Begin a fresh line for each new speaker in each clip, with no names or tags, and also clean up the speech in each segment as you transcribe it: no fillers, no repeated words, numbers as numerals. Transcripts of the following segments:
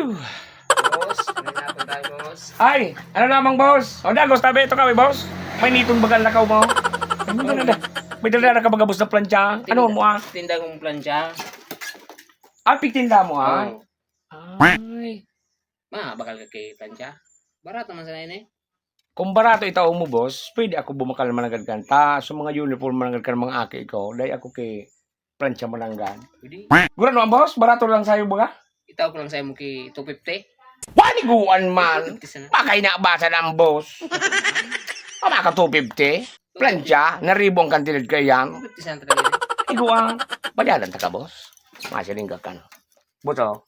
Boss, may napon tayo, boss.
Ay, ano namang boss? O dagos, tabi ito kami, boss. May nitong bagal lakaw mo. Ano ba na? May dala ka bagabos na plancha. Ano mo ah?
Tinda kong plancha.
Ah, pitinda mo ah?
Oo.
Ay.
Bakal ka kay plancha. Barato man sa nene.
Kung barato itaw mo, boss, pwede ako bumakal managad kanta. Sa mga uniform managad ka ng mga aki ko. Dahil ako kay plancha mananggad.
Pwede.
Gura naman, boss? Barato lang sa'yo baga?
Itaw ko lang sa'yo mo kay 250.
Waniguan man.
250 sana.
Pakay na basa ng boss. Pama ka 250? Plancha, naribong kantilid ka yan.
250 sana talaga.
Iguang, bayaran ta ka, boss. Masiling ka kan. Buto.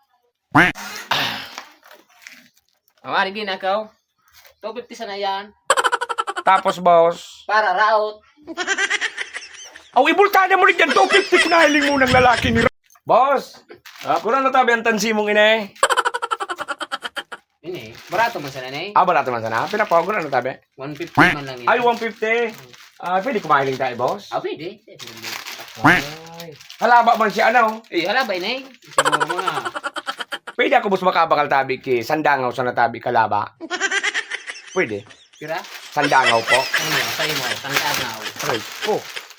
Amari ginakaw. 250 sana yan.
Tapos, boss.
Para raot.
Aw, ibultana mo rin yan. 250 pinahiling mo ng lalaki ni Boss, kurang na tabi ang tansi mong ina eh.
Ini, barato man sa nene.
Ah, barato man sana. Pinapawag ko na tabi.
150 man lang yun.
Ay, 150. Pwede kumahiling tayo, boss?
Pwede.
Ay. Halaba man siya, ano?
Halabay na eh. Siguro mo na.
Pwede ako, boss, makabakal tabi ki sandangaw sa natabi kalaba. Pwede.
Kira?
Sandangaw po.
Sa'yo mo. Tandaan na ako.
Aray po.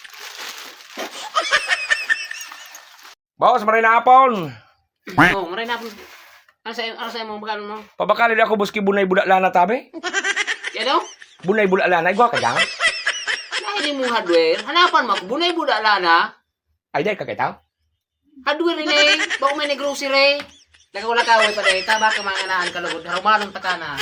Boss, maray na hapon.
Oo, maray na ako. Ano sa'yo mo bagal mo?
Pabakalin ako, boss, ki bunay budak lana tabi.
Yan o?
Bunay budak lana. Igwa ka dyan?
Dahil mo hardware. Hanapan mo. Bunay budak lana.
Ay, day, kakitaw.
Hardware rin eh. Bako may grocery. Lakaw-lakaway pa rin. Taba ka mga kanaan kalugod. Harumanong takana.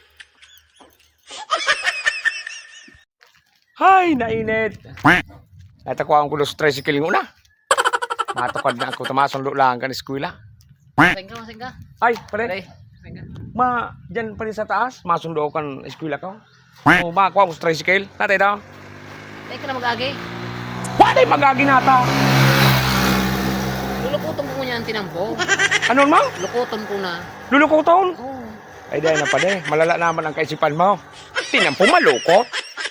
Hay, nainit. At ako ang kulos tricycle ng una. Matukad na ako tamason lang kan eskwela.
Masing ka.
Ay, pare.
Pare. Masing ka.
Dyan pa rin sa taas, masundo kan eskwela ko. O, makakuha ko sa tricycle. Natay daw.
Ay ka na mag-agi.
Wala magagi nata.
Lulukuton ko niya ang tinampo.
Ano mo?
Lukuton ko na.
Lulukuton?
Oo.
Ay, dahil na pa de. Malala naman ang kaisipan mo. Tinampo malukot.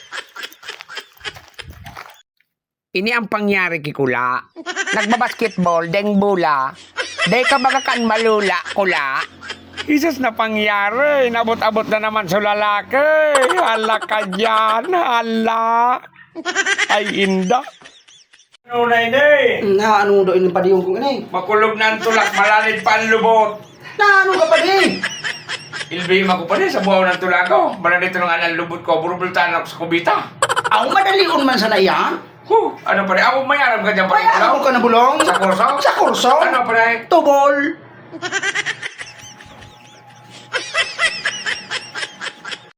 Ini ang pangyari kikula. Nagbabasketball, deng bula. Day ka baga kan malula, kula. Isus na pangyari. Nabot-abot na naman sa lalaki. Hala ka dyan. Hala. Ay, inda. Ano na ini?
Na ano do ini padiyong kong ini?
Makulog na ang tulak, malalit pa ang lubot.
Na ano ka padi?
Ilbihim ako pa rin sa buhaw ng tulak ko. Malalit ng anang lubot ko, burubultan ako sa kubita.
Ako madalion man sana yan.
Ano pa rin? Ako mayaram ka dyan pa rin.
Kaya ako ka na bulong?
Sa kurso?
Sa kurso?
Ano pa rin?
Tubol.